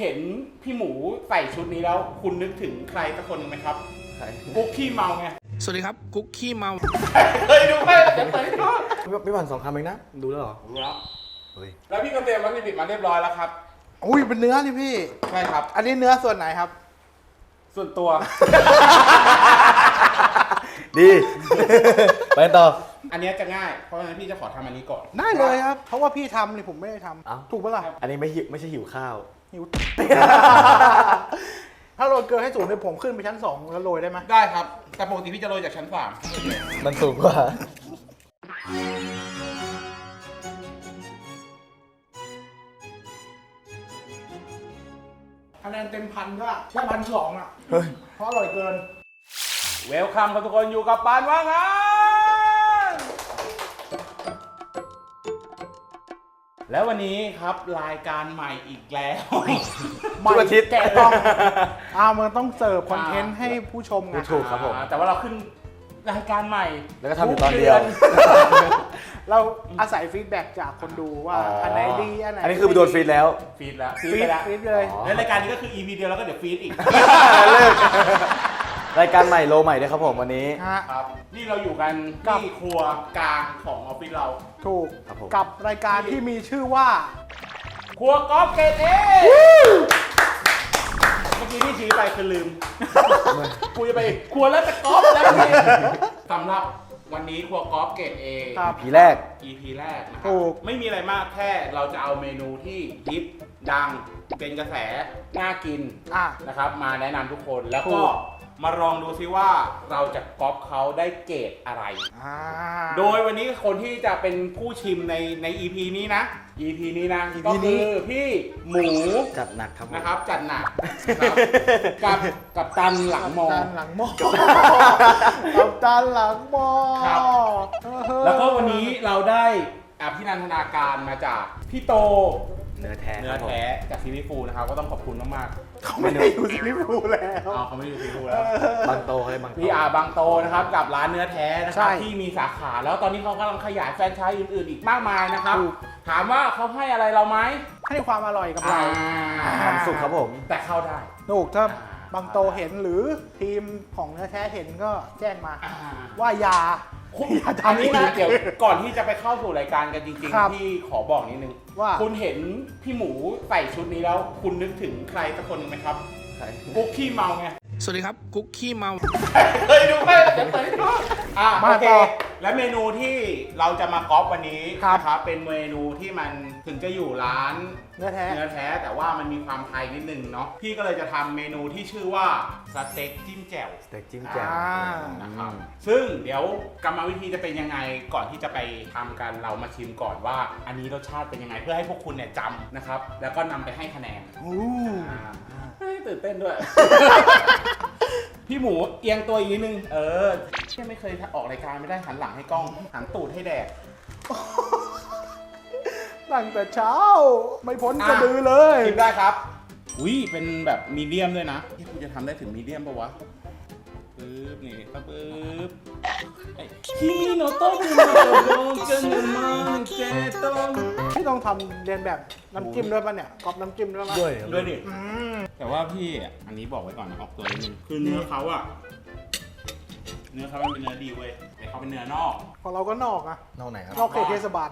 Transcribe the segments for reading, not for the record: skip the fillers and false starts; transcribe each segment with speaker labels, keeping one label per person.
Speaker 1: เห็นพี่หมูใส่ชุดนี้แล้วคุณนึกถึงใครสักคนหนึ่งไหมครับ
Speaker 2: ใคร
Speaker 1: กุ๊กขี้เมาไง
Speaker 3: สวัสดีครับกุ๊กขี้เมา
Speaker 1: เคยดูไหมเดี๋ยวเปิดให้ดู
Speaker 2: ไม่หวั่น2 คำเองนะ ดูแล้วเหรอ
Speaker 1: รู้แล้ว
Speaker 2: เฮ้ย
Speaker 1: แล้วพี่ก็เตรียมวัตถุดิบมาเรียบร้อยแล้วครับ
Speaker 4: อุ้ยเป็นเนื้อนี่พี่
Speaker 1: ใช่ครับ
Speaker 4: อันนี้เนื้อส่วนไหนครับ
Speaker 1: ส่วนตัว
Speaker 2: ดี ไปต่อ
Speaker 1: อันเนี้ยจะง่ายเพราะฉะนั้นพี่จะขอทำอันนี้ก่อน
Speaker 4: ได้เลยครับ เพราะว่าพี่ทำนี่ผมไม่ได้ท
Speaker 2: เอ้า
Speaker 4: ำถูกปะล่ะ
Speaker 2: อันนี้ไม่ใช่หิวข้าว
Speaker 4: หิว ถ้าโรยเกลือให้สูงเนี่ยผมขึ้นไปชั้น 2 แล้วโรยได้ไหม
Speaker 1: ได้ครับแต่ปกติพี่จะโรยจากชั้นสาม
Speaker 2: มันสูงกว่า
Speaker 4: คะแนนเต็มพันก็แค่1,200อ่ะ เพราะอร่อยเกิน
Speaker 1: เวลคัมครับทุกคนอยู่กับปานว่างงาน แล้ววันนี้ครับรายการใหม่อีกแล้ว
Speaker 2: ทุกอาทิตย์
Speaker 4: แกะต้องมันต้องเสิร์ฟคอนเทนต์ให้ผู้ชมไง
Speaker 2: ถูกครับผม
Speaker 1: แต่ว่าเราขึ้นรายการใหม่
Speaker 2: แล้วก็ทำอยู่ตอนเดียว
Speaker 4: เราอาศัยฟีดแบ็กจากคนดูว่าอันไหนดีอันไหน
Speaker 2: อันนี้คือไปโดนฟีดแล้ว
Speaker 1: ฟีดแล้ว
Speaker 4: ฟี
Speaker 1: ไป
Speaker 4: ด
Speaker 1: แล้ว
Speaker 4: ฟีดเลย
Speaker 2: อ๋อ
Speaker 1: แล้วรายการนี้ก็คือ EP เดียวแล้วก็เดี๋ยวฟีดอีก
Speaker 2: เลิก รายการใหม่โลใหม่ด้วยครับผมวันนี้
Speaker 4: ฮะ
Speaker 1: ครับนี่เราอยู่กัน
Speaker 4: กับ
Speaker 1: ที่ครัวกลางของออฟฟิศเรา
Speaker 4: ถูก
Speaker 2: ครับผม
Speaker 4: กับรายการที่มีชื่อว่า
Speaker 1: ครัวกอล์ฟเกตเอเมื่อกี้ที่ชี้ไปคือลืมกูจะไปครัวแล้วแต่กอล์ฟแล้วนี่สำหรับวันนี้ครัวกอล์ฟเกตเอ
Speaker 4: ครับ
Speaker 2: ผีแรก
Speaker 1: EP แรกนะครั
Speaker 4: ถูก
Speaker 1: ไม่มีอะไรมากแค่เราจะเอาเมนูที่ฮิตดังเป็นกระแสน่ากิน
Speaker 4: อ่ะ
Speaker 1: นะครับมาแนะนำทุกคนแล้ว
Speaker 4: ถู
Speaker 1: ก็
Speaker 4: ก
Speaker 1: มาลองดูซิว่าเราจะก๊อปเขาได้เกรดอะไร
Speaker 4: อ่า
Speaker 1: โดยวันนี้คนที่จะเป็นผู้ชิมใน EP นี้นะ EP นี้นะ
Speaker 4: EP
Speaker 1: ก็
Speaker 4: นี้
Speaker 1: คือพี่หมู
Speaker 2: จัดหนักครับผม
Speaker 1: นะครับจัดหนักนะครับกับตันหลังมอ
Speaker 4: กัปตันหลังหม้อกับตันหลังหม้อ
Speaker 1: ครับ
Speaker 4: เออ
Speaker 1: แล้วก็วันนี้เราได้อภินันทนาการมาจากพี่โต
Speaker 2: เนื้อแท้
Speaker 1: เนื้
Speaker 2: ค
Speaker 1: อ
Speaker 2: รับผม
Speaker 1: แท้จากซีรีส์ฟูนะครับก็ต้องขอบคุณมาก
Speaker 4: เขาไม่ได้อยู่ซีรีส์ฟูลแล้ว
Speaker 1: ๆเอาเขาไม่ได้อยู่ซีรีส์ฟูแล้ว
Speaker 2: บางโตเขาเลยบางโต
Speaker 1: พี่อาบางโตนะครับกับร้านเนื้อแท้นะค
Speaker 4: ใช่
Speaker 1: รับที่มีสาขาแล้วตอนนี้เขากำลังขยายแฟรนไชส์อื่นๆอีกมากมายนะครับ
Speaker 4: ถูก
Speaker 1: ถามว่าเขาให้อะไรเราไหม
Speaker 4: ให้ความอร่อยกับเรา
Speaker 2: ความสุขครับผม
Speaker 1: แต่เข้าได้
Speaker 4: ถูกถ้า
Speaker 1: อ่า
Speaker 4: บางโตเห็นหรือทีมของเนื้อแท้เห็นก็แจ้งมา
Speaker 1: อ่า
Speaker 4: ว่าอย่า
Speaker 1: คุณ
Speaker 4: อย่า
Speaker 1: อัน
Speaker 4: ทำ
Speaker 1: นี้นะ
Speaker 4: อีก
Speaker 1: เดี๋ยวก่อนที่จะไปเข้าสู่รายการกันจริง
Speaker 4: ครับ
Speaker 1: ๆที่ขอบอกนิดนึง
Speaker 4: ว่า
Speaker 1: คุณเห็นพี่หมูใส่ชุดนี้แล้ว คุณนึกถึงใครสักคนหนึ่งไหมครับ
Speaker 2: ใคร
Speaker 1: กุ๊กขี้เมาไง
Speaker 3: สวัสดีครับกุ๊กขี้เมา
Speaker 1: เคยดูไหมเดี๋ยวเปิดให้ดู
Speaker 4: มา
Speaker 1: โอเค
Speaker 4: ต่อ
Speaker 1: และเมนูที่เราจะมาก๊อปวันนี้
Speaker 4: ครับ
Speaker 1: นะครับเป็นเมนูที่มันถึงจะอยู่ร้าน
Speaker 4: เนื้อแท้
Speaker 1: เนื้อแท้แต่ว่ามันมีความไทยนิดนึงเนาะพี่ก็เลยจะทำเมนูที่ชื่อว่าสเต็กจิ้มแจ่ว
Speaker 2: สเต็กจิ้มแจ่ว
Speaker 1: นะครับซึ่งเดี๋ยวกรรมวิธีจะเป็นยังไงก่อนที่จะไปทำกันเรามาชิมก่อนว่า อันนี้รสชาติเป็นยังไงเพื่อให้พวกคุณเนี่ยจำนะครับแล้วก็นำไปให้คะแนน
Speaker 4: อู้
Speaker 1: เฮ้ยตื่นเต้นด้วย พี่หมูเอียงตัวอีกนิดนึงที่ไม่เคยออกรายการไม่ได้หันหลังให้กล้องหันตูดให้แดด
Speaker 4: ตั้งแต่เช้า ไม่พ้น
Speaker 1: อ่ะ
Speaker 4: กระดือเลย
Speaker 1: ชิมได้ครับอุ้ยเป็นแบบมีเดียมด้วยนะที่คุณจะทำได้ถึงมีเดียมปะวะปึ๊บนี่ปึ๊บคิมิโนโตะคุโนโตะกันมาเจโตะ
Speaker 4: พี่ต้องทำเรียนแบบน้ำจิ้มด้วยป่ะเนี่ยกรอบน้ำจิ้มด้วยป่ะ
Speaker 2: ด้วย
Speaker 1: ด้วยดิ
Speaker 4: อืม
Speaker 1: แต่ว่าพี่อ่ะอันนี้บอกไว้ก่อนนะออกตัวนิดนึงคือเนื้อเขาอ่ะเนื้อเขามันเป็นเนื้อดีเว้ยแต่เขาเป็นเนื้อนอก
Speaker 4: ของเราก็นอกอะ
Speaker 2: นอกไหนครับ
Speaker 4: นอกเขตเทศบาล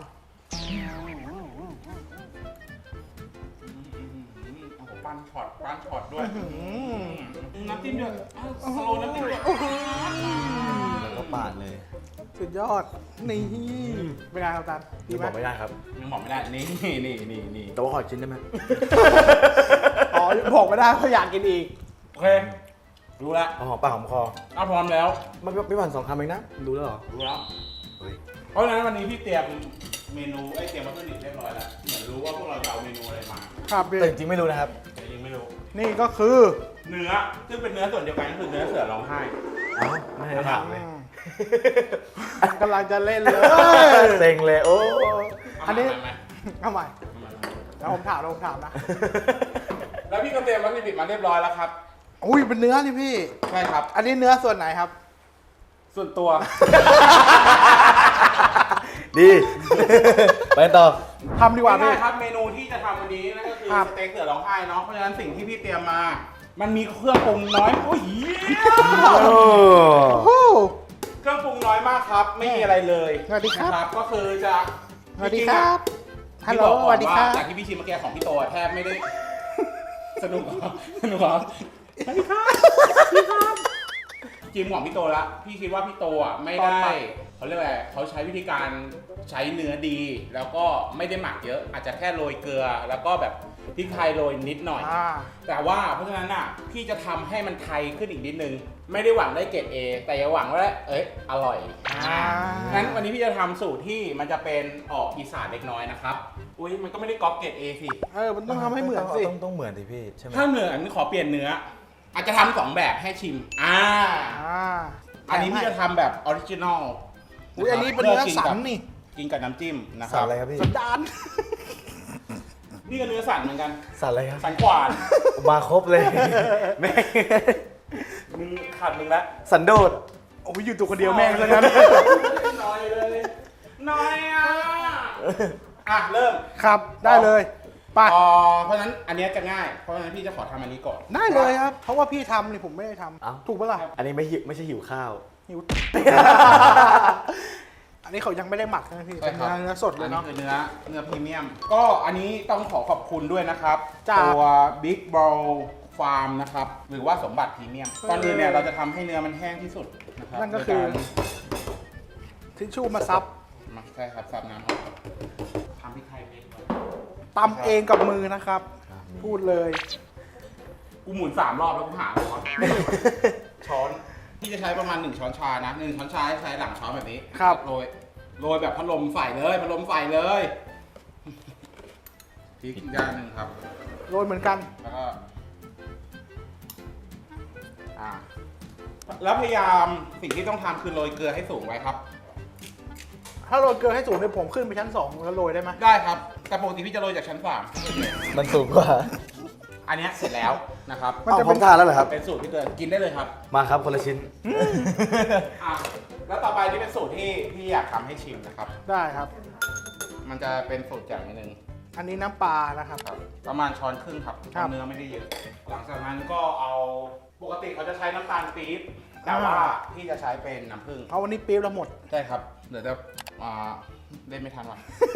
Speaker 1: โอ้โหปั้นช็อตด้วย
Speaker 4: อืม
Speaker 1: น้ำจิ้มด้วยสโลว์น้ำจิ้มด้วย
Speaker 2: แล้วก็ปาดเลย
Speaker 4: สุดยอด นี่เป็นไงครับตันดี
Speaker 2: ยัง
Speaker 4: ไหม
Speaker 2: บอกไม่ได้ครับ
Speaker 1: ยังบอกไม่ได้นี่
Speaker 2: แต่ว่าขอชิ้นได้ไหม
Speaker 4: อ๋อบอกไม่ได้เพราะอยากกินอีก
Speaker 1: โอเครู้แล้ว
Speaker 2: เอาหอมปากหอมคอ
Speaker 1: เอาพร้อมแล้ว
Speaker 2: ไม่หวั่น2 คำเองนะ ดูแล้วเหรอ
Speaker 1: รู้แล้ว
Speaker 2: เฮ้ย
Speaker 1: เพราะฉะนั้นวันนี้พี่เตรียมเมนูเตรียมวัตถุดิบเรียบร้อยแล้วเหมือนรู้ว่าพวกเราจะเอาเมนูอะไรมา
Speaker 4: ครับพี่
Speaker 2: แต่จริงๆไม่รู้นะครับ
Speaker 1: แต่ยังไม่รู้
Speaker 4: นี่ก็คือ
Speaker 1: เนื้อซึ่งเป็นเนื้อส่วนเดียวกันก็คือเนื้อเสือร้องไห้
Speaker 2: เอ้าไม่ได้ถามเลย
Speaker 4: กำลังจะเล่นเลย
Speaker 2: เซ็งเลย โอ้
Speaker 4: อันนี้
Speaker 1: เามา
Speaker 4: เอาใหม่
Speaker 1: มา
Speaker 4: แล้วผมถามนะ
Speaker 1: แล้วพี่ก็เตรียมวัตถุดิบมาเรียบร้อยแล้วครับ
Speaker 4: อุ้ยเป็นเนื้อนี่พี่
Speaker 1: ใช่ครับ
Speaker 4: อันนี้เนื้อส่วนไหนครับ
Speaker 1: ส่วนตัว
Speaker 2: ดี ไปต่อ
Speaker 4: ทำดีกว่าพี่
Speaker 1: ง่ายๆครับเมนูที่จะทำวันนี้นั่นก็คือสเต็กเสือร้องไห้เนาะเพราะฉะนั้นสิ่งที่พี่เตรียมมา มันมีเครื่องปรุงน้อยโอ้ย
Speaker 2: โอ้
Speaker 4: โอ้
Speaker 1: เครื่องปรุงน้อยมากครับ ไม่มีอะไรเลย
Speaker 4: สวัสดีครับ
Speaker 1: นะก็คือจะ
Speaker 4: สวัสดีครับฮัลโหล
Speaker 1: พี่บอก
Speaker 4: ส
Speaker 1: ก่อน
Speaker 4: วัสดีครับ
Speaker 1: จากที่พี่ชิมเมื่อกี้ของพี่โตแทบไม่ได้ สนุกเหรอสนุกเหรอสวัสดีครับพี่ครับจิมของพี่โตละพี่คิดว่าพี่โตอ่ะไม่ได้เขาเรียกอะไรเขาใช้วิธีการใช้เนื้อดี แล้วก็ไม่ได้หมักเยอะ อาจจะแค่โรยเกลือ แล้วก็แบบพริกไทยโรยนิดหน่อย แต่ว่าเพราะฉะนั้นอ่ะพี่จะทำให้มันไทยขึ้นอีกนิดนึง ไม่ได้หวังได้เกรด A แต่อย่าหวังว่าอร่อยงั้นวันนี้พี่จะทำสูตรที่มันจะเป็นออกอีสานเล็กน้อยนะครับอุ้ยมันก็ไม่ได้ก๊อปเกรด A สิ
Speaker 4: มันต้องทำให้เหมือนสิ
Speaker 2: ต้องเหมือนสิพี่ใช่ไหม
Speaker 1: ถ้าเหมือนขอเปลี่ยนเนื้อ อาจจะทำ2แบบให้ชิมอันนี้พี่จะทำแบบออริจินอล
Speaker 4: อุ้ยอันนี้เป็นเนื้อสันนี่
Speaker 1: กินกับน้ำจิ้มนะค
Speaker 2: สั
Speaker 1: รั
Speaker 2: น
Speaker 1: บ
Speaker 2: อะไรครับพี่
Speaker 4: สันดาน
Speaker 1: นี่ก็เนื้อสันเหมือนกัน
Speaker 2: สันอะไรครับ
Speaker 1: สันขวาน
Speaker 2: มาครบเลยแม่ง
Speaker 1: มึงขาดมึงละ
Speaker 2: สันโดษ
Speaker 4: โอ้ยอยู่ตัวคนเดียวแม่งซะงั้น
Speaker 1: น้อยเลยน้อยเริ่ม
Speaker 4: ครับได้เลยไป
Speaker 1: เพราะฉะนั้นอันเนี้ยจะง่าย เพราะฉะนั้นพี่จะขอทำอันนี้ก่อน
Speaker 4: ได้เลยครับ เพราะว่าพี่ทำนี่ผมไม่ได้ท
Speaker 2: เอ้า
Speaker 4: ำถูกปะล่ะ
Speaker 2: อันนี้ไม่ใช่หิวข้าว
Speaker 4: หิว อันนี้เขายังไม่ได้หมักนะพี่
Speaker 1: ใช่
Speaker 4: เป็น
Speaker 1: ครับ
Speaker 4: เนื้อสดเล
Speaker 1: อั
Speaker 4: ย
Speaker 1: นนี้
Speaker 4: เนาะ
Speaker 1: คือเนื้อพรีเมียม ก็อันนี้ต้องขอขอบคุณด้วยนะครับ
Speaker 4: จาก
Speaker 1: ตัว Big Bowl Farm นะครับ หรือว่าสมบัติพรีเมียมก่อนอื่นเนี่ยเราจะทำให้เนื้อมันแห้งที่สุดนะครับ
Speaker 4: นั่นก็คือ
Speaker 1: โดย
Speaker 4: ทิชชู่มาซับ
Speaker 1: มาใช่ครับซับน้ำครับทำพริกไทยเองก่อน
Speaker 4: ตำเองกับมือนะครับ พูดเลย
Speaker 1: กูหมุน3 รอบแล้วกูหาเลย วะ ช้อนพี่จะใช้ประมาณ1 ช้อนชานะ1 ช้อนชาใช้หลังช้อนแบบนี้
Speaker 4: ครับ
Speaker 1: โรยแบบพัดลมใส่เลยพัดลมใส่เลยพริกอีกด้านหนึ่งครับ
Speaker 4: โรยเหมือนกัน
Speaker 1: แล้วก็แล้วพยายามสิ่งที่ต้องทำคือโรยเกลือให้สูงไว้ครับ
Speaker 4: ถ้าโรยเกลือให้สูงเนี่ยผมขึ้นไปชั้น2แล้วโรยได้ไหม
Speaker 1: ได้ครับ แต่ปกติพี่จะโรยจากชั้น
Speaker 2: มันสูงกว่า
Speaker 1: 3อันเนี้ยเสร็จแล้วนะครับ
Speaker 2: เอาผมทานแล้วเหรอครับ
Speaker 1: เป็นสูตรพี่เตือนกินได้เลยครับ
Speaker 2: มาครับคนละชิ้น
Speaker 1: แล้วต่อไปนี่เป็นสูตรที่พี่อยากทำให้ชิมนะครับ
Speaker 4: ได้ครับ
Speaker 1: มันจะเป็นสูตรจากนิดนึง
Speaker 4: อันนี้น้ำปลานะครับ
Speaker 1: ครับประมาณช้อนครึ่งครับ
Speaker 4: ครับ
Speaker 1: เนื้อไม่ได้เยอะ หลังจากนั้นก็เอาปกติเขาจะใช้น้ำตาลปี๊บแต่ว่าพี่จะใช้เป็นน้ำผึ้ง
Speaker 4: เอาวันนี้ปี๊บเราหมด
Speaker 1: ใช่ครับเดี๋ยวจะเล่นไม่ทันว่ะ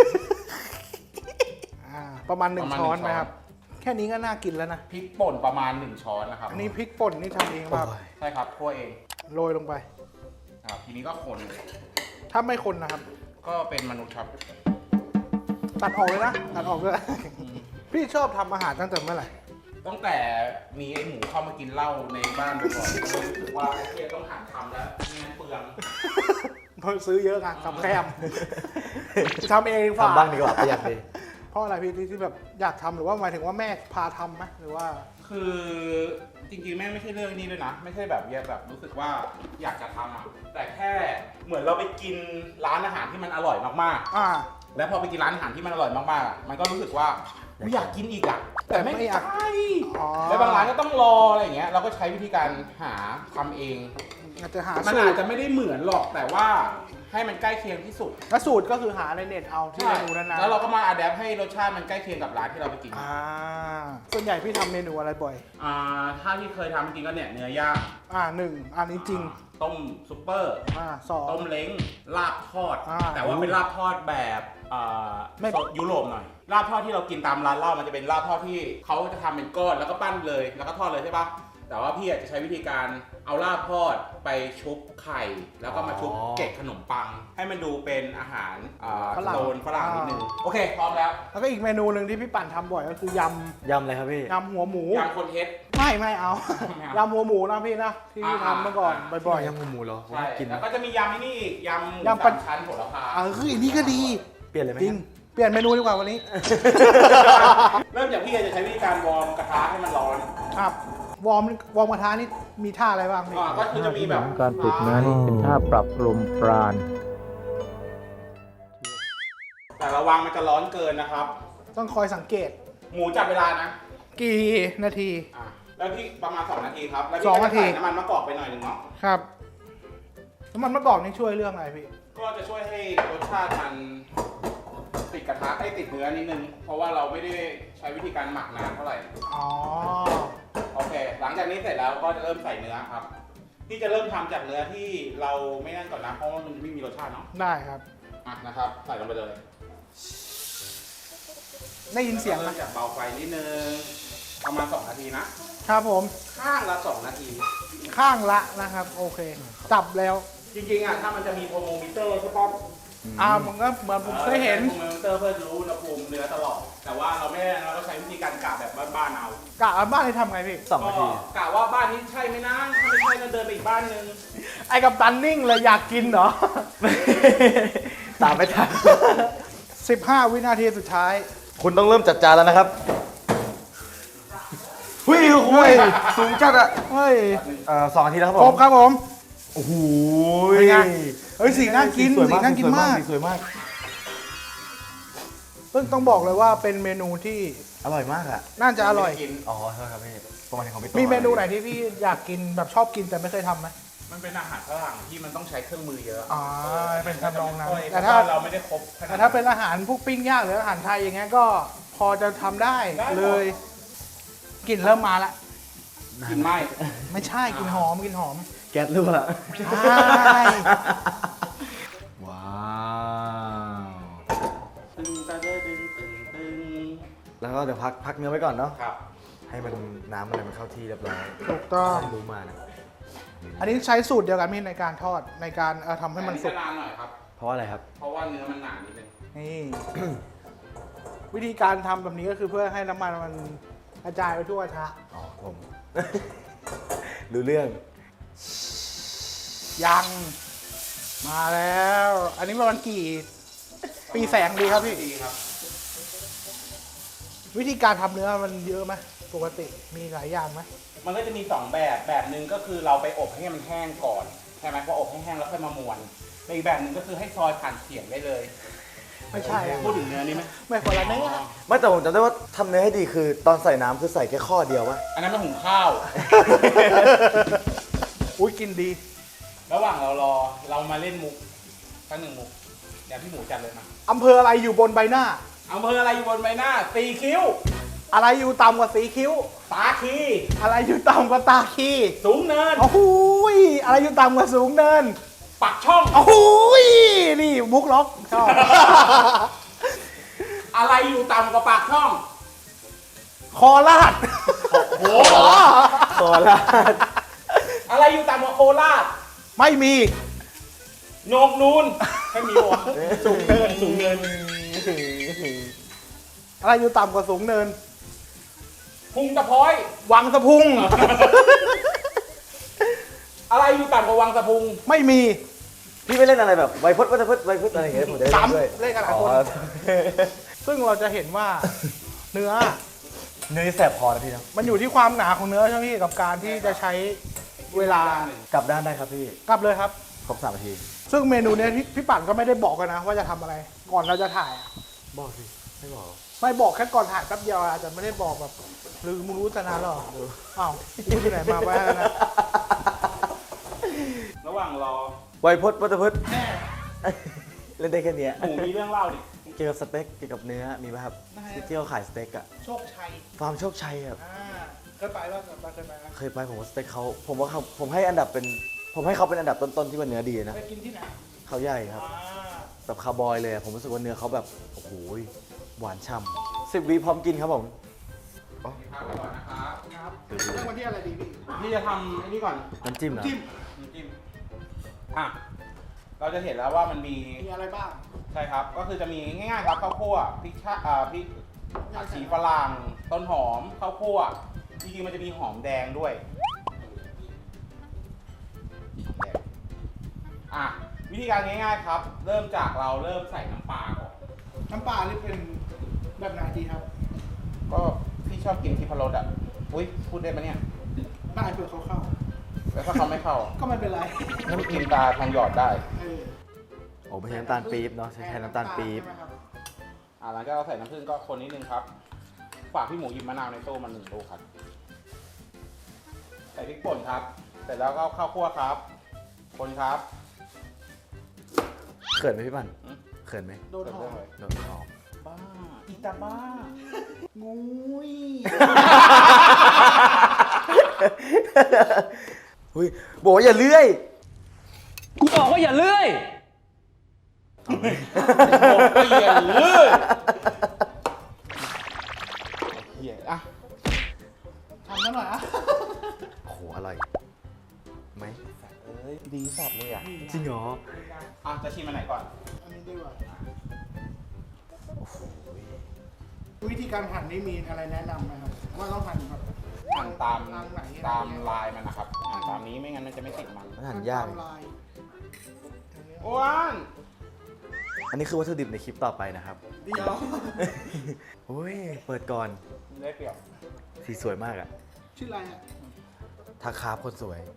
Speaker 4: ประมาณ
Speaker 1: ประมาณ
Speaker 4: 1 ช้อน
Speaker 1: 1 ช้อน
Speaker 4: นะครับ แค่นี้ก็น่ากินแล้วนะ
Speaker 1: พริกป่นประมาณ1 ช้อนนะครับ
Speaker 4: อันนี้พริกป่นนี่ทำเองครับ
Speaker 1: ใช่ครับคั่วเอง
Speaker 4: โรยลงไป
Speaker 1: ครับทีนี้ก็คน
Speaker 4: ถ้าไม่คนนะครับ
Speaker 1: ก็เป็นมนุษย์ครับ
Speaker 4: ตัดออกเลยนะ ตัดออกเลย พี่ชอบทำอาหารตั้งแต่เมื่อไหร่
Speaker 1: ตั้งแต่มีไอ้หมูเข้ามากินเหล้าในบ้านบ่อยๆก็เลยรู้สึกว่าไอ้เพียต้องหัดทำแล้วไม่งั้นเปลือง
Speaker 4: เพราะซื้อเยอะไงกับแคมทำเองดีกว่า
Speaker 2: ทำบ้างดีกว่าประหยัดดี
Speaker 4: เพราะอะไรพี่ที่แบบอยากทำหรือว่าหมายถึงว่าแม่พาทำไหมหรือว่า
Speaker 1: คือจริงๆแม่ไม่ใช่เรื่องนี้ด้วยนะ ไม่ใช่แบบรู้สึกว่าอยากจะทำอ่ะแต่แค่เหมือนเราไปกินร้านอาหารที่มันอร่อยมาก
Speaker 4: อ่า
Speaker 1: ๆ แล้วพอไปกินร้านอาหารที่มันอร่อยมากๆอ่ะมันก็รู้สึกว่าอยากกินอีกอ่ะ
Speaker 4: แต่ไม่อยาก
Speaker 1: ใช่
Speaker 4: อ๋อ
Speaker 1: แล้วบางร้านก็ต้องรออะไรอย่างเงี้ยเราก็ใช้วิธีการหาทำเอง
Speaker 4: อาจจะหา
Speaker 1: มัน
Speaker 4: สู
Speaker 1: อา
Speaker 4: ต
Speaker 1: จ
Speaker 4: ร
Speaker 1: จะไม่ได้เหมือนหรอกแต่ว่าให้มันใกล้เคียงที่สุด
Speaker 4: แล้วสูตรก็คือหาในเน็ตเอาที่เมนูนั้นๆ
Speaker 1: แล้วเราก็มาอัดแอปให้รสชาติมันใกล้เคียงกับร้านที่เราไปกิน
Speaker 4: ส่วนใหญ่พี่ทำเมนูอะไรบ่อย
Speaker 1: ถ้าที่เคยทำจริงก็เนี่ยเนื้อย่าง
Speaker 4: 1อันนี้จริง
Speaker 1: ต้มซุปเปอร์
Speaker 4: สอง
Speaker 1: ต้มเล้งลาบทอด
Speaker 4: อ่า
Speaker 1: แต่ว่าเป็นลาบทอดแบบ
Speaker 4: ไม่
Speaker 1: ยุโรปหน่อยลาบทอดที่เรากินตามร้านเหล้ามันจะเป็นลาบทอดที่เขาจะทำเป็นก้อนแล้วก็ปั้นเลยแล้วก็ทอดเลยใช่ปะแต่ว่าพี่อาจจะใช้วิธีการเอาลาบทอดไปชุบไข่ แล้วก็มาชุบเกล็ดขนมปัง ให้มันดูเป็นอาหารโซนฝรั่งนิดนึงโอเคพร้อมแล้ว
Speaker 4: แล้วก็อีกเมนูหนึ่งที่พี่ปั่นทำบ่อยก็คือย
Speaker 2: ยำอะไรครับพี่
Speaker 4: ำยำหัวหมู
Speaker 1: ยำคนเทส
Speaker 4: ไม่เอา
Speaker 1: ไม่เอา
Speaker 4: ยำหัวหมูนะพี่นะที่พี่ทำเมื่อก่อนบ่อย
Speaker 2: ยำหมูเหรอ
Speaker 1: ใช่
Speaker 2: กิน
Speaker 1: แล้วก็จะมียำนี่อีกยำหมู
Speaker 4: ยำปลา
Speaker 1: สามชั้นโหระพา
Speaker 4: คืออันนี้ก็ดี
Speaker 2: เปลี่ยนเลยไหม
Speaker 4: จริงเปลี่ยนเมนูดีกว่าวันนี้
Speaker 1: เริ่มจากพี่จะใช้วิธีการวอร์มกระทะให้มันร้อน
Speaker 4: ครับวอร์มกระทะนี่มีท่าอะไรบ้างพี่
Speaker 1: ก็คือจะมีแบบ
Speaker 5: การฝึกนั้นเป็นท่าปรับลมปราณ
Speaker 1: แต่ระวังมันจะร้อนเกินนะครับ
Speaker 4: ต้องคอยสังเกต
Speaker 1: หมูจับเวลานะ
Speaker 4: กี่นาที
Speaker 1: แล้วพี่ประมาณ2 นาทีครับ แล้ว
Speaker 4: สอง
Speaker 1: พี่ก็
Speaker 4: นาที
Speaker 1: ใส่น้ำมันมะกอกไปหน่อยหนึ่งเนาะ
Speaker 4: ครับน้ำมันมะกอกนี่ช่วยเรื่องอะไรพี่
Speaker 1: ก็จะช่วยให้รสชาติมันติดกระทะให้ติดเนื้อนิดนึง เพราะว่าเราไม่ได้ใช้วิธีการหมักนานเท่าไหร่
Speaker 4: อ๋อ
Speaker 1: โอเค หลังจากนี้เสร็จแล้วก็จะเริ่มใส่เนื้อครับ ที่จะเริ่มทำจากเนื้อที่เราไม่นั่นก่อนนะ เพราะว่ามันไม่มีรสชาติเนาะ
Speaker 4: ได้ครับ
Speaker 1: อ่ะนะครับ ใส่ลงไปเลย
Speaker 4: ได้ยินเสียงไหม
Speaker 1: เริ่มจากเบาไฟนิดนึง ประมาณ2 นาทีนะ
Speaker 4: ครับผม
Speaker 1: ข้างละ2 นาที
Speaker 4: ข้างละนะครับ โอเค จับแล้ว
Speaker 1: จริงๆอ่ะถ้ามันจะมีโทโมมิเตอร์ใช่ปะ
Speaker 4: มันก็เหมือนผมเคยเห็น
Speaker 1: โทโมมิเตอร์เพื่อรู้อุณหภูมิเนื้อตลอด แต่ว่าเราไม่ได้เราก็ใช้วิธีการกะแบบบ้านๆเอา
Speaker 4: กะบ้านให้ทำไงพี่
Speaker 2: 2 นาที
Speaker 1: ก็กะว่าบ้านนี้ใช่ไหมนะถ้าไม่ใช่ก็เดินไปอีกบ้านนึง
Speaker 4: ไอ้กับตันนิ่งเลยอยากกินเหรอ
Speaker 2: ตามไม่ทัน
Speaker 4: 15 วินาทีสุดท้าย
Speaker 2: คุณต้องเริ่มจัดจานแล้วนะครับหุ้ยสูงจัดอะ
Speaker 4: เฮ้ย
Speaker 2: 2 นาทีแล้วครับ
Speaker 4: คร
Speaker 2: ผ
Speaker 4: บ
Speaker 2: ม
Speaker 4: ครับผม
Speaker 2: โอ้โห
Speaker 4: เป็นไง เฮ้ยสีน่ากิน
Speaker 2: สวย
Speaker 4: สีน่ากินมาก
Speaker 2: สวยมาก
Speaker 4: ซึ่งต้องบอกเลยว่าเป็นเมนูที่
Speaker 2: อร่อยมากอะ
Speaker 4: น่าจะอร่อย
Speaker 1: กิน
Speaker 2: อ๋อใช่ครับพี่ประมาณของพี่โต
Speaker 4: มีเมนูไหนที่พี่อยากกินแบบชอบกินแต่ไม่เคยทำไหม
Speaker 1: มันเป็นอาหารฝรั่งที่มันต้องใช้เครื่องมือเยอะ
Speaker 4: อ๋อเป็นทำนองนั้น
Speaker 1: แต่
Speaker 4: แต่
Speaker 1: ถ้า
Speaker 4: ถ้า
Speaker 1: เราไม่ได้ครบขนด
Speaker 4: แต่ถ้าเป็นอาหารพวกปิ้งย่างหรืออาหารไทยอย่างเงี้ยก็พอจะทำได้
Speaker 1: ได้หมด
Speaker 4: เลยกลิ่นเริ่มมาละ
Speaker 1: กินไม่
Speaker 4: ไม่ใช่กลิ่นหอมกลิ่นหอม
Speaker 2: แก๊สรั่ว
Speaker 4: ใช่
Speaker 2: ว้าว
Speaker 1: ตึงตะเด้อตึงตึงตึง
Speaker 2: แล้วก็เดี๋ยวพักเนื้อไว้ก่อนเนาะ
Speaker 1: ครับ
Speaker 2: ให้มันน้ำอะไรมันเข้าที่เรียบร้อย
Speaker 4: ถูกต้อง
Speaker 2: ไม่รู้มานะ
Speaker 4: อันนี้ใช้สูตรเดียวกันพี่ในการทอดในการทำให้มันสุก
Speaker 1: นานหน่อยครับ
Speaker 2: เพราะว่าอะไรครับ
Speaker 1: เพราะว่าเนื้อมันหนานิดนึง
Speaker 4: นี่ วิธีการทำแบบนี้ก็คือเพื่อให้น้ำมันมันกระจายไปทั่วกระทะ
Speaker 2: อ๋อผม รู้เรื่อง
Speaker 4: ยังมาแล้ว อันนี้ประมาณกี่ปีแสงดีครับพี่
Speaker 1: ดีครับ
Speaker 4: วิธีการทำเนื้อมันเยอะไหมปกติมีหลายอย่างไหม
Speaker 1: มันก็จะมี2แบบหนึ่งก็คือเราไปอบให้มันแห้งก่อนใช่ไหมพออบให้แห้งแล้วค่อยมาม้วนอีกแบบหนึ่งก็คือให้ซอยผ่านเขียงได้เลย
Speaker 4: ไม่ใช่อะ
Speaker 1: พูดถึงเนื้อนี่ไหม
Speaker 4: ไม่คนละเนื้อ
Speaker 2: ไม่แต่ผมจำได้ว่าทำเนื้อให้ดีคือตอนใส่น้ำคือใส่แค่ข้อเดียววะ
Speaker 1: อันนั้นมันหุงข้าว
Speaker 4: อุ้ยกินดี
Speaker 1: ระหว่างเรารอเรามาเล่นมุกสัก1 มุกเดี๋ยวพี่หมูจัดเลยมา
Speaker 4: อำเภออะไรอยู่บนใบหน้า
Speaker 1: อำเภออะไรอยู่บนใบหน้าตีคิ้ว
Speaker 4: อะไรอยู่ต่ำกว่าสีคิ้ว
Speaker 1: ตาคี
Speaker 4: อะไรอยู่ต่ำกว่าตาคี
Speaker 1: สูงเนิน
Speaker 4: โอ้โหยอะไรอยู่ต่ำกว่าสูงเนิน
Speaker 1: ปักช่อง
Speaker 4: โอ้โหยนี่มุกล็อกชอบ
Speaker 1: อะไรอยู่ต่ำกว่าปากช่อง
Speaker 4: คอลาด
Speaker 1: โอ้
Speaker 2: โซลาด
Speaker 1: อะไรอยู่ต่ำกว่าโคราช
Speaker 4: ไม่มี
Speaker 1: โหนกนูนไม่มีวะสูงเนินสูงเนิน
Speaker 4: อะไรอยู่ต่ำกว่าสูงเนิน
Speaker 1: พุงตะพ้อย
Speaker 4: วังสะพุง
Speaker 1: อะไรอยู่ต่ำกว่าวังสะพุง
Speaker 4: ไม่มี
Speaker 2: พี่ไม่เล่นอะไรแบบไวพจน์ไวพจน์อะไรอย่างเงี้ยผมจะได้เล่นด้วย
Speaker 4: ซ้ำเล่นกันหลายคน
Speaker 2: อ๋อ
Speaker 4: ซึ่งเราจะเห็นว่าเนื้อ
Speaker 2: เนื้อแสบคอนะพี่นะ
Speaker 4: มันอยู่ที่ความหนาของเนื้อใช่ไหมพี่กับการที่จะใช้เวลา
Speaker 2: กลับด้านได้ครับพี่
Speaker 4: กลับเลยครับ
Speaker 2: ครบ3 นาที
Speaker 4: ซึ่งเมนูเนี้ยพี่ปั่นก็ไม่ได้บอกกันนะว่าจะทำอะไร ก่อนเราจะถ่ายอะ
Speaker 2: บอกสิไม่บอก
Speaker 4: ไม่บอกแค่ก่อนถ่ายแป๊บเดียวอาจจะไม่ได้บอกแบบหรือมึงรู้แต่นานแล้วเหรออ้าวพูดที่ไหนมาบ้างนะ
Speaker 1: ระหว่างรอ
Speaker 2: ไวพจน์เล่นได้แค่เนี้ย
Speaker 1: หมูมีเรื่องเล่าดิ
Speaker 2: เกี่ยวกับสเต็กเกี่ยวกับเนื้อมีไหมครับที่เขาขายสเต็กอะ
Speaker 4: โชคชัย
Speaker 2: ฟาร์มโชคชัยอะ
Speaker 4: เคยไปแล้วเคยไปแล้ว
Speaker 2: เคยไปผมว่าสเต็กเขาผมให้อันดับเป็นผมให้เขาเป็นอันดับต้นๆที่ว่าเนื้อดีนะ
Speaker 4: ไปกินที่ไหน
Speaker 2: เขาใหญ่ครับ
Speaker 4: อ่า
Speaker 2: แบบคาร์บอยเลยอะผมรู้สึกว่าเนื้อเขาแบบโอ้โหหวานฉ่ำ10 วิพร้อมกินครับผม
Speaker 1: พักก่อนนะครับ
Speaker 4: ครับเรื่องวันที่อะไรดีพี่
Speaker 1: พี่จะทำไอ้นี่ก่อน
Speaker 2: น้ำจิ้มเหรอ
Speaker 4: จิ้ม
Speaker 1: น้ำจิ้มอ่ะเราจะเห็นแล้วว่ามันมี
Speaker 4: มีอะไรบ้าง
Speaker 1: ใช่ครับ ก็คือจะมีง่ายๆครับข้าวคั่วพริกพริกผักชีฝรั่งต้นหอมข้าวคั่วจริงๆมันจะมีหอมแดงด้วยแดงอ่ะวิธีการง่ายๆครับ เริ่มจากเราเริ่มใส่น้ำปลาก่อน
Speaker 4: น้ำปลานี่เป็นแบบไหนดีครับ
Speaker 1: ก็พี่ชอบกินทิพรสอ่ะอุ้ยพูดได้ไหมเนี่ย
Speaker 4: ได้เผื่อเขาเข้า
Speaker 1: แล้วถ้าเขาไม่เข้า
Speaker 4: ก็ไม่เป็นไร
Speaker 1: น้ำกินตาทองหยอดได้
Speaker 4: เออ
Speaker 2: โอ้ไม่ใช่น้ำตาลปี๊บเนาะใช้น้ำตาลปี๊บ
Speaker 4: ใช่ไหมครับ
Speaker 1: หลังจากเราใส่น้ำผึ้งก็คนนิดนึงครับ ฝากพี่หมูหยิบมะนาวในตู้มา1 ลูกครับ ใส่พริกป่นครับ เสร็จแล้วก็ข้าวคั่วครับ คนครับ
Speaker 2: เขินไหมพี่ปั่น
Speaker 1: อืม
Speaker 2: เขินไหม
Speaker 4: โดนหอม
Speaker 2: โดนหอม
Speaker 1: บ้าอีตาบ้างูย
Speaker 2: อุ้ยบอกว่าอย่าเลื่อย
Speaker 5: กูบอกว่าอย่าเลื่อย
Speaker 1: บอกไปอย่าเลยเหี้ยอ่ะ
Speaker 4: ทำซะหน่อยอ่ะ
Speaker 2: โอ้โหอร่อยไหม
Speaker 1: เอ้ยดีสัตว์เลยอ่ะ
Speaker 2: จริงเหรอ
Speaker 1: อ่ะจะชิมอันไหนก่อน
Speaker 4: อันนี้ดีกว่า
Speaker 2: โอ้โห
Speaker 4: วิธีการหั่นนี่มีอะไรแนะนำไหมครับว่าต้องหั่นแบบ
Speaker 1: หั่นตาม
Speaker 4: ทางไหน
Speaker 1: ตามลายมันนะครับหั่นตามนี้ไม่งั้นมันจะไม่ติดมัน
Speaker 2: มันหั่นยาก
Speaker 4: ตมลาย
Speaker 1: อ้วน
Speaker 2: อันนี้คือวัตถุดิบในคลิปต่อไปนะครับ
Speaker 4: เดี๋ยว
Speaker 2: โอ้ยเปิดก่อน
Speaker 1: ได้เปรียบ
Speaker 2: สีสวยมากอะ
Speaker 4: ชื่ออะไรอ่ะ
Speaker 2: ทักคาบคนสวย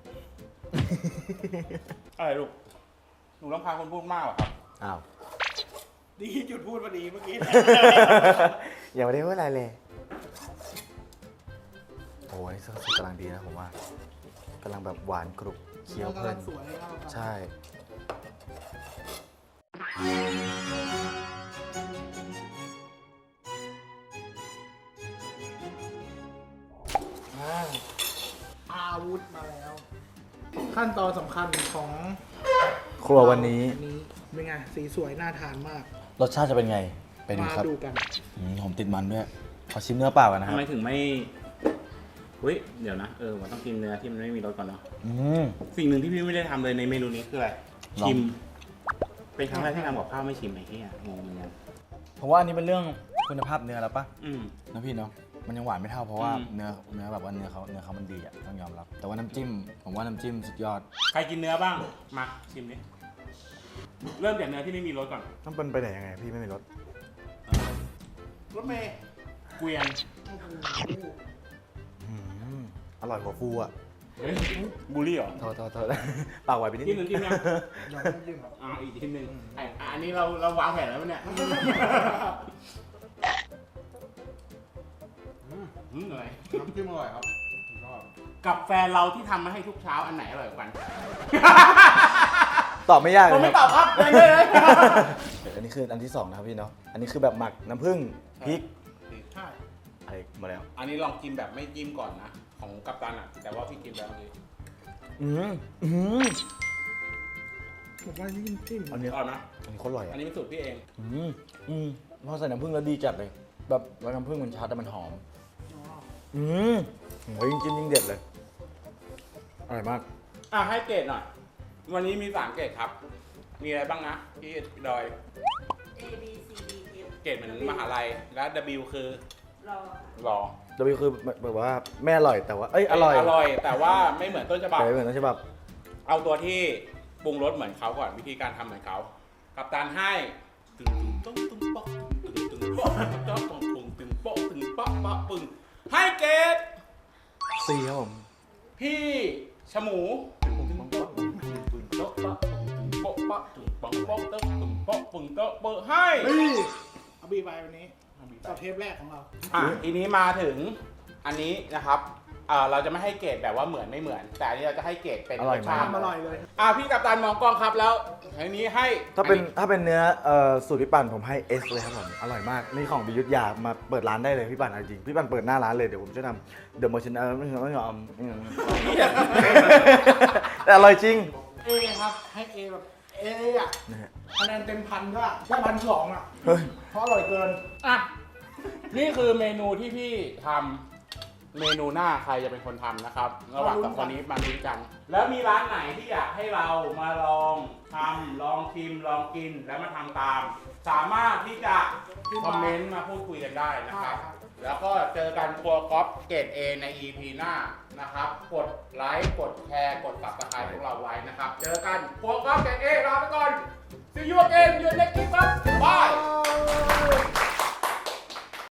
Speaker 1: อะไรลูกหนูรำคาญคนพูดมากเหรอครับ
Speaker 2: อ้าว
Speaker 4: ดีจุดพูดพอดีเมื่อกี้
Speaker 2: ยังไม่ได้พูดอะไรเลย โอ้ยนี่สุดกำลังดีนะผมว่ากำลังแบบหวานกรุบเคี้ยวเพลิน
Speaker 4: สวยมากครับ
Speaker 2: ใช่
Speaker 4: อาวุธมาแล้ว ขั้นตอนสำคัญของ
Speaker 2: ครัววันนี้
Speaker 4: เป็นไงสีสวยน่าทานมาก
Speaker 2: รสชาติจะเป็นไง ไปดู
Speaker 4: มา
Speaker 2: ครับ
Speaker 4: ดูกัน
Speaker 2: ผมติดมันด้วย ขอชิมเนื้อเปล่ากันนะค
Speaker 1: ทำ
Speaker 2: รับ
Speaker 1: ไมถึงไม่เฮ้ยเดี๋ยวนะว่าต้องกินเนื้อที่มันไม่มีรสก่อนเนาะ
Speaker 2: อืม
Speaker 1: สิ่งหนึ่งที่พี่ไม่ได้ทำเลยในเมนูนี้คืออะไร
Speaker 2: ลอง
Speaker 1: ชิม เป็นครั้งแรกที่ทำกับข้าวไม่ชิมไอ้เหี้ยงงเหมือนกัน
Speaker 2: ผมว่าอันนี้เป็นเรื่องคุณภาพเนื้อแล้วปะ
Speaker 1: อืม
Speaker 2: นะพี่เนาะ มันยังหวานไม่เท่าเพราะว่า
Speaker 1: อืม
Speaker 2: เนื้อแบบว่าเนื้อเขามันดีอะต้องยอมรับ แต่ว่าน้ำจิ้ม ผมว่าน้ำจิ้มสุดยอด
Speaker 1: ใครกินเนื้อบ้างมาชิมดิเริ่มจากเนื้อที่ไม่มีรสก่อน
Speaker 2: ต้องเป็นไปไหนยังไงพี่ไม่มีรส
Speaker 4: รถเมย์
Speaker 1: เกวียน
Speaker 4: โอ้โห
Speaker 2: อร่อยกว่าฟูอะ
Speaker 1: เฮ้ยบูลลี่เหรอ
Speaker 2: โทษ ปากไหวไปนิด
Speaker 1: จิ้มหนึ่งจิ้มยัง
Speaker 4: ยอมยิ้มครับ
Speaker 1: อีกชิ้นหนึ่งอันนี้เราวางแผนแล้วปะเนี่ยอะไร
Speaker 4: น้ำจิ้มอร่อยครับ
Speaker 1: กับแฟนเราที่ทำมาให้ทุกเช้าอันไหนอร่อยกว่ากัน
Speaker 2: ตอบไม่ยากเล
Speaker 1: ผม
Speaker 2: ย
Speaker 1: ไม่
Speaker 2: ค
Speaker 1: ต
Speaker 2: รั
Speaker 1: อ
Speaker 2: บบ
Speaker 1: ครับเลย
Speaker 2: อันนี้คืออันที่สองนะครับพี่เนาะ อันนี้คือแบบหมักน้ำผึ้งพริก
Speaker 4: ใช่
Speaker 2: อะไรมาแล้ว
Speaker 1: อันนี้ลองกินแบบไม่จิ้มก่อนนะ ของกัปตันอ่ะ แต่ว่าพี่กินแล้วเลย
Speaker 2: อืมอืม
Speaker 4: ผมว่านี่จิ้ม
Speaker 2: อันนี้
Speaker 1: อร่อยไหม
Speaker 2: อันนี้โคตรอร่อย
Speaker 1: อั
Speaker 2: อ่ะ
Speaker 1: นนี้เป็นสูตรพี่เอง
Speaker 2: พอใส่น้ำผึ้งแล้วดีจัดเลย แบบว่าน้ำผึ้งมันชัดแต่มันหอม โอ้ยยิ่งเด็ดเลย อร่อยมาก
Speaker 1: ให้เกรดหน่อย วันนี้มี3เกรดครับ มีอะไรบ้างนะพี่ดอย
Speaker 6: A B C D F
Speaker 1: เกรดเหมือนมหาลัย และ W คือ
Speaker 6: รอ
Speaker 1: รอ
Speaker 2: W คือแบบว่าไม่อร่อยแต่ว่า อร่อย
Speaker 1: อร่อย แต่ว่าไม่เหมือนต้นฉบับ
Speaker 2: แต่ไม่เหมือนต้นฉบับ
Speaker 1: เอาตัวที่ปรุงรสเหมือนเขาก่อนวิธีการทำเหมือนเขากัปตันให้ตึงตึงตึงป๊อกตึงตึงป๊อกตึงป๊อกตึงตึงป๊อกตึงป๊อกป๊อกปึงให้เกรด
Speaker 2: C ครับผม
Speaker 1: พี่ชะหมูตึงตึงป๊อกตึงตึงป๊อกป๊อกตึงป๊อกป๊อกตึงป๊อกป๊อกตึงตึงป๊อกปึงโต๊ะเบอร์ให้
Speaker 4: เฮ้ยเอาบีไปวันนี้ต่อเทปแรกของเรา
Speaker 1: ทีนี้มาถึงอันนี้นะครับเราจะไม่ให้เกรดแบบว่าเหมือนไม่เหมือน แต่อันนี้เราจะให้เกรดเป็น
Speaker 2: อร่อยมาก
Speaker 1: รสชาติ
Speaker 4: อร่อยเลย
Speaker 1: พี่กัปตันมองกล้องครับแล้วอันนี้ให้
Speaker 2: ถ้าเป็นเนื้อสูตรพี่ปั่นผมให้ S เลยครับผม อร่อยมาก นี่ของบิยุทธยามาเปิดร้านได้เลยพี่ปั่นเอาจริง พี่ปั่นเปิดหน้าร้านเลย เดี๋ยวผมจะทำเดอะโมชั่นไม่ยอมแต่อร่อยจริง
Speaker 4: เอครับ ให้เอแบบเออ่ะ
Speaker 2: นะฮะ
Speaker 4: คะแนนเต็มพันก็ได้1,200อ่ะ
Speaker 2: เฮ้ย
Speaker 4: เพราะอร่อยเกิน
Speaker 1: นี่คือเมนูที่พี่ทำเมนูหน้าใครจะเป็นคนทำนะครับ ระหว่างกับคนนี้มาลุ้นกัน แล้วมีร้านไหนที่อยากให้เรามาลองทำลองชิมลองกินแล้วมาทำตาม สามารถที่จะคอมเมนต์มาพูดคุยกันได้นะครับ แล้วก็เจอกันครัวก๊อฟเกรด A ใน EP หน้านะครับ กดไลค์กดแชร์กด Subscribe พวกเราไว้นะครับ เจอกันครัวก๊อฟเกรด A ลาไปก่อน See you again อยู่ในคลิปครับบาย